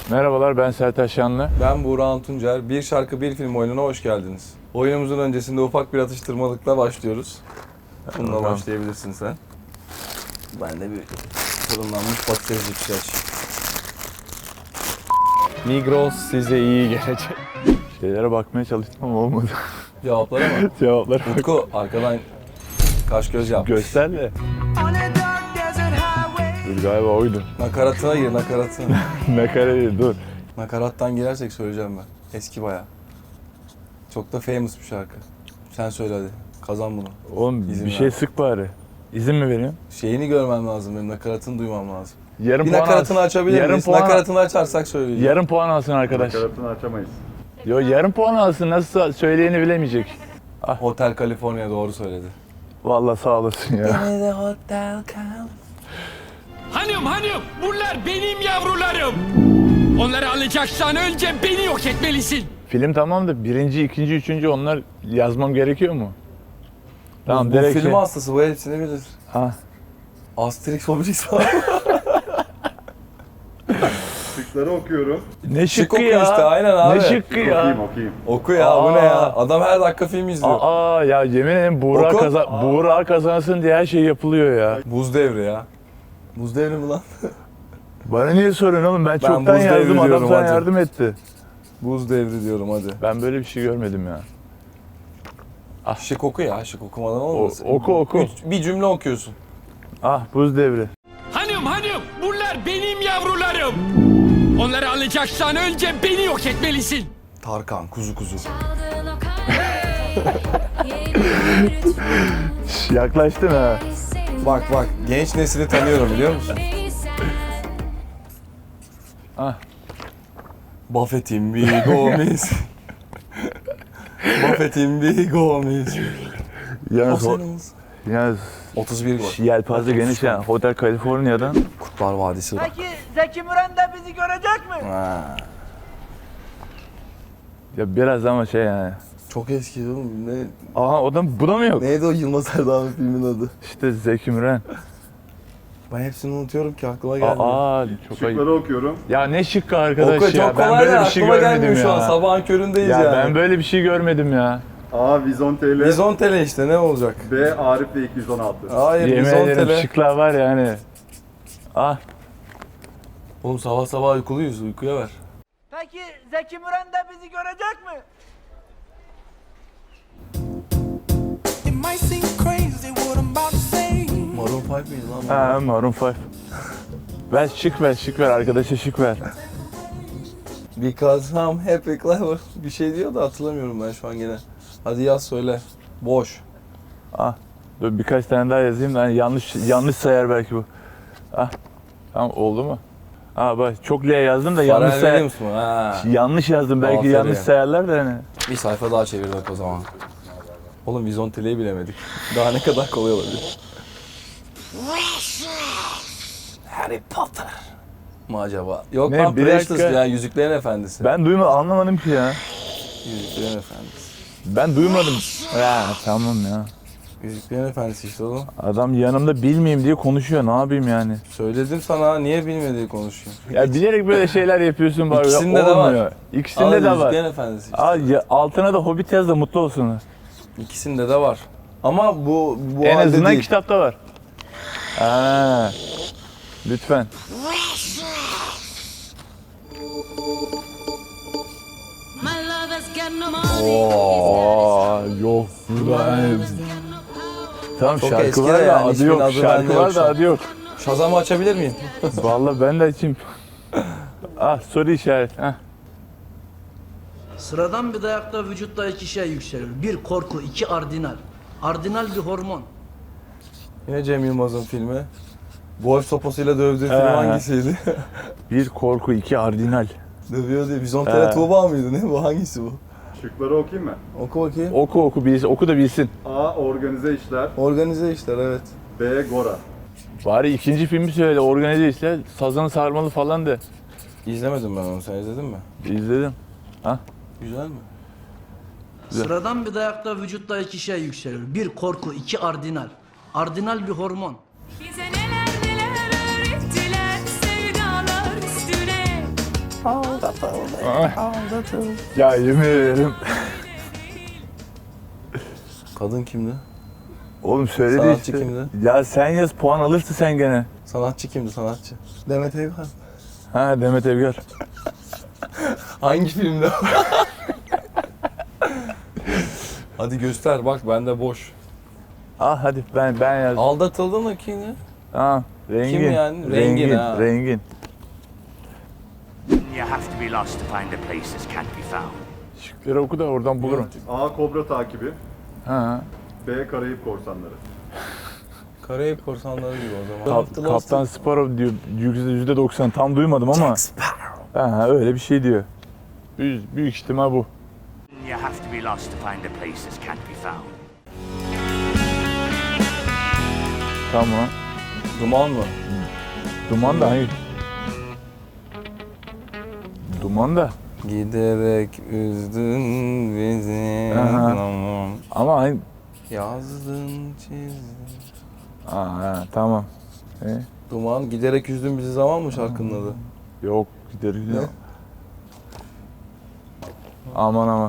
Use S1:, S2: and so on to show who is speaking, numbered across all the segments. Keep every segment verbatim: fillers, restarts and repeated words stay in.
S1: Merhabalar, ben Sertaç Şanlı.
S2: Ben Buğra Tuncer. Bir şarkı bir film oyununa hoş geldiniz. Oyunumuzun öncesinde ufak bir atıştırmalıkla başlıyoruz. Bununla
S1: Tamam.
S2: başlayabilirsin sen. Ben de bir fırınlanmış patatesli pişaç.
S1: Migros size iyi gelecek. Şeylere bakmaya çalıştım ama olmadı.
S2: Cevaplara mı?
S1: Cevaplara bak.
S2: Utku arkadan kaş göz yap.
S1: Göster de. Dur, galiba oydu.
S2: Nakaratına gir nakaratına.
S1: Nakara değil, dur.
S2: Nakarattan girersek söyleyeceğim ben. Eski bayağı. Çok da famous bir şarkı. Sen söyle hadi. Kazan bunu.
S1: Oğlum
S2: İzin
S1: bir
S2: ver.
S1: şey sık bari. İzin mi veriyorsun?
S2: Şeyini görmem lazım benim. Nakaratını duymam lazım.
S1: Yarım
S2: Bir
S1: puan
S2: nakaratını
S1: alsın.
S2: açabilir
S1: Yarım
S2: miyiz?
S1: puan,
S2: Nakaratını açarsak söyleyeceğim.
S1: yarım puan alsın arkadaş.
S3: Nakaratını açamayız.
S1: Yo, yarım puan alsın, nasıl söyleyeni bilemeyecek.
S2: Hotel California doğru söyledi.
S1: Vallahi sağ olasın ya.
S4: Hanım hanım bunlar benim yavrularım. Onları alacaksan önce beni yok etmelisin.
S1: Film tamam da birinci, ikinci, üçüncü onlar yazmam gerekiyor mu? Tamam,
S2: bu
S1: direkt
S2: film
S1: şey-
S2: hastası bu hepsini bilir.
S1: Ha.
S2: Asterix Obelix var.
S3: Şıkları okuyorum.
S1: Ne
S2: Şık
S1: şıkkı
S2: oku
S1: ya?
S2: işte, aynen abi.
S1: Ne şıkkı ya?
S3: Okuyayım okuyayım.
S2: Oku ya bu ne
S1: Aa.
S2: ya? Adam her dakika film izliyor.
S1: Aa ya, yemin ederim Buğra,
S2: Oku.
S1: kaza Buğra kazansın diye her şey yapılıyor ya.
S2: Buz devri ya. Buz devri mi lan?
S1: Bana niye soruyorsun oğlum? Ben, çoktan
S2: buz devri
S1: yazdım, adam
S2: diyorum,
S1: sana
S2: hadi.
S1: yardım etti.
S2: Buz devri diyorum hadi.
S1: Ben böyle bir şey görmedim ya.
S2: Şık oku ya, şık okumadan olmaz.
S1: O- oku, oku.
S2: Üç- bir cümle okuyorsun.
S1: Ah, buz devri.
S4: Hanım hanım bunlar benim yavrularım. Onları alacaksan önce beni yok etmelisin.
S2: Tarkan, kuzu kuzu.
S1: Şş, yaklaştın ha.
S2: Bak bak, genç nesili tanıyorum biliyor musun?
S1: Ah.
S2: Buffett'in bir Gomez. Buffett'in bir Gomez. O
S1: Yalnız, o,
S2: senin.
S1: yalnız
S2: otuz bir gol.
S1: yelpaze geniş ya. Hotel California'dan.
S2: Kurtlar Vadisi var.
S5: Peki Zeki Müren de bizi görecek mi?
S2: Ha.
S1: Ya biraz ama şey yani.
S2: Çok eski oğlum. Ne,
S1: Aha, o da, bu da mı yok?
S2: neydi o Yılmaz Erdoğan'ın filmin adı?
S1: İşte Zeki Müren.
S2: Ben hepsini unutuyorum ki aklıma gelmiyor.
S1: Aa, çok ayıp.
S3: Şıkları okuyorum.
S1: Ya ne şıkkı arkadaş
S2: Oku,
S1: ya.
S2: çok
S1: Ben
S2: kolay
S1: böyle
S2: da
S1: bir şey
S2: aklıma
S1: görmedim
S2: gelmiyor şu an.
S1: ya.
S2: Sabahın köründeyiz
S1: Ya
S2: yani.
S1: ben böyle bir şey görmedim ya.
S3: A. Vizontele.
S2: Vizontele işte ne olacak?
S3: B. Arif ve iki yüz on altı.
S2: Hayır
S1: Yemin ederim
S2: Vizontele.
S1: şıklar var yani. Ah,
S2: Oğlum sabah sabah uykuluyuz, uykuya ver.
S5: Peki Zeki Müren de bizi görecek mi?
S6: It might seem crazy what I'm about to say.
S2: Maroon five miydi lan? bu?
S1: ha, Maroon beş. Ver şık ver, şık ver. Arkadaşa şık ver.
S2: Because I'm happy clever. Bir şey diyor da hatırlamıyorum ben şu an gene. Hadi yaz söyle. Boş.
S1: Ah, dur birkaç tane daha yazayım da hani yanlış yanlış sayar belki bu. Ah, tamam oldu mu? Ah bak, çok L yazdım da yanlış
S2: Pharrell
S1: sayar.
S2: Williams mı? Ha.
S1: Yanlış yazdım belki,
S2: Aferin.
S1: yanlış sayarlar da hani.
S2: Bir sayfa daha çevirdik o zaman. Oğlum Vizontele'yi bilemedik. Daha ne kadar kolay olabilir? Harry Potter mı acaba? Yok
S1: Ne,
S2: lan
S1: bir
S2: Precious
S1: dakika.
S2: ya Yüzüklerin Efendisi.
S1: Ben duyma anlamadım ki ya.
S2: Yüzüklerin Efendisi.
S1: Ben duymadım. Ya tamam ya.
S2: Yüzüklerin Efendisi işte oğlum.
S1: Adam yanımda bilmeyeyim diye konuşuyor. Ne yapayım yani?
S2: Söyledim sana niye bilmediği konuşuyor.
S1: Ya bilerek böyle şeyler yapıyorsun bari.
S2: İkisinde de var.
S1: Olmuyor. İkisinde
S2: Al,
S1: de var.
S2: Yüzüklerin Efendisi işte.
S1: Al, ya, altına da Hobbit yaz da mutlu olsunlar.
S2: İkisinde de var. Ama bu bu
S1: En
S2: halde
S1: azından
S2: değil.
S1: kitapta var. Aa, lütfen. Oo, yok. Burada tamam,
S2: Çok
S1: şarkı
S2: eski
S1: var
S2: de
S1: da
S2: yani,
S1: adı
S2: ismin
S1: yok.
S2: adı
S1: Şarkı
S2: bende yok
S1: var
S2: şu
S1: da
S2: an.
S1: adı yok.
S2: Shazam'ı açabilir miyim?
S1: Vallahi ben de açayım. Ah, soru işareti. Heh.
S7: Sıradan bir dayakta vücutta iki şey yükselir. Bir korku, iki ardinal. Ardinal bir hormon.
S2: Yine Cem Yılmaz'ın filmi. Golf sopasıyla dövdüğü film
S1: Ee.
S2: hangisiydi?
S1: Bir korku, iki ardinal.
S2: Dövüyor diye. Vizontele
S1: Ee.
S2: Tuğba mıydı ne bu? Hangisi bu?
S3: Şıkları okuyayım mı?
S2: Oku bakayım.
S1: Oku oku bilsin, oku da bilsin.
S3: A. Organize işler.
S2: Organize işler evet.
S3: B. Gora.
S1: Bari ikinci filmi söyle, organize işler, sazan sarmalı falan de.
S2: İzlemedim ben onu. Sen izledin mi?
S1: İzledim.
S2: Güzel mi?
S7: Sıradan bir dayakta vücutta iki şey yükselir. Bir korku, iki ardinal. Ardinal bir hormon.
S8: Bize neler neler öğrettiler sevdalar üstüne.
S1: Ya yemin ederim.
S2: Kadın kimdi?
S1: Oğlum söyledi
S2: Sanatçı
S1: işte.
S2: kimdi?
S1: Ya sen yaz puan alırsın sen gene.
S2: Sanatçı kimdi sanatçı? Demet Evgar.
S1: Ha Demet Evgar.
S2: Hangi filmde? Hadi göster bak bende boş.
S1: Ah hadi ben ben yazdım.
S2: Aldatıldın mı kimdi?
S1: Ha rengin.
S2: Kim yani? Rengin,
S1: Rengin.
S2: ha.
S1: Rengin.
S8: You have to be lost to find a place that can't be found.
S1: Şıkları oku da oradan bulurum.
S3: A. Kobra takibi.
S1: Ha.
S3: B. Karayip korsanları.
S2: Karayip korsanları gibi o zaman.
S1: Kap, Kaptan Sparrow diyor. yüzde doksan tam duymadım ama. Ha öyle bir şey diyor. Büyük, büyük ihtimal bu.
S8: You have to be lost to find a place that can't be found.
S1: Tamam.
S2: Duman mı?
S1: Duman da hangi? Duman da.
S2: Giderek üzdün bizi.
S1: Aha.
S2: Tamam.
S1: Ama hangi?
S2: Yazdın çizdin.
S1: Aa, ha, tamam. E,
S2: Duman giderek üzdün bizi zaman mı şarkının adı?
S1: yok gider gider. Aman aman.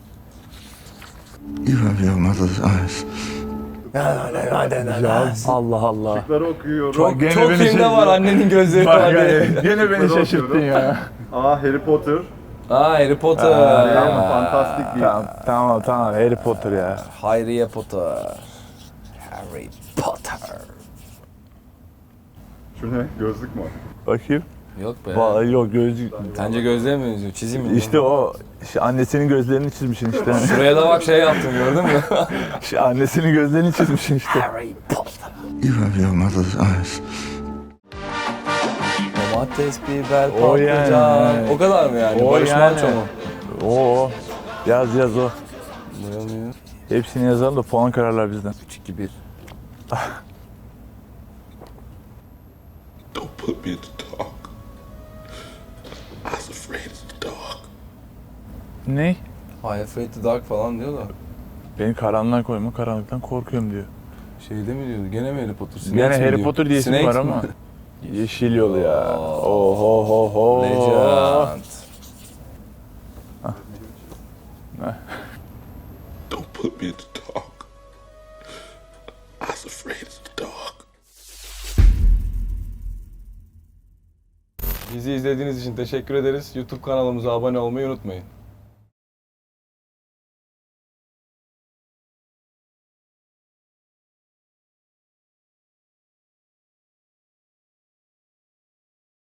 S9: You have your mother's eyes.
S1: Ya Allah Allah.
S3: Şıkları okuyorum.
S2: Çok,
S1: gene
S2: çok
S1: beni
S2: filmde
S1: şey-
S2: var annenin gözleri
S1: Bak
S2: var diye.
S1: gene, gene beni
S3: Şıkları
S1: şaşırttın
S3: okuyorum.
S1: ya.
S3: A. Harry Potter.
S2: Aa Harry Potter.
S3: B.
S1: Tamam.
S3: Fantastic Beasts.
S1: Tamam tamam tamam Harry Potter ya.
S2: Hayriye Potter. Harry Potter.
S3: Şu ne? Gözlük mü?
S1: Bakayım.
S2: Yok be.
S1: Vallahi yok gözlük.
S2: Sence gözlüğe mi benziyor? Çizeyim mi?
S1: İşte o işte annesinin gözlerini çizmişsin işte.
S2: Şuraya da bak şey yaptım gördün mü?
S1: İşte annesinin gözlerini çizmişsin işte.
S2: Harry Potter.
S9: You have your mother's eyes.
S2: Domates, biber,
S1: O yani.
S2: patlıcan. O kadar mı yani?
S1: O
S2: Barış
S1: yani.
S2: Manço mu?
S1: Oo. Yaz yaz o.
S2: Bulamıyor.
S1: Hepsini yazalım da puan kararlar bizden.
S2: üç iki bir.
S9: Don't put me in the dark. I was afraid of the dark.
S1: Ne?
S2: Hi afraid the dark falan diyor da.
S1: Beni karanlığa koyma, karanlıktan korkuyorum diyor.
S2: Şeyde mi diyordu? Gene mi Harry Potter? Snakes
S1: Gene
S2: mi
S1: Harry
S2: diyor?
S1: Potter diye isim
S2: Snakes
S1: var
S2: mi?
S1: ama. Yeşil yol ya. Oho ho ho.
S2: Legend.
S9: Don't put me in the dark. I was afraid of the dark.
S2: Bizi izlediğiniz için teşekkür ederiz. YouTube kanalımıza abone olmayı unutmayın.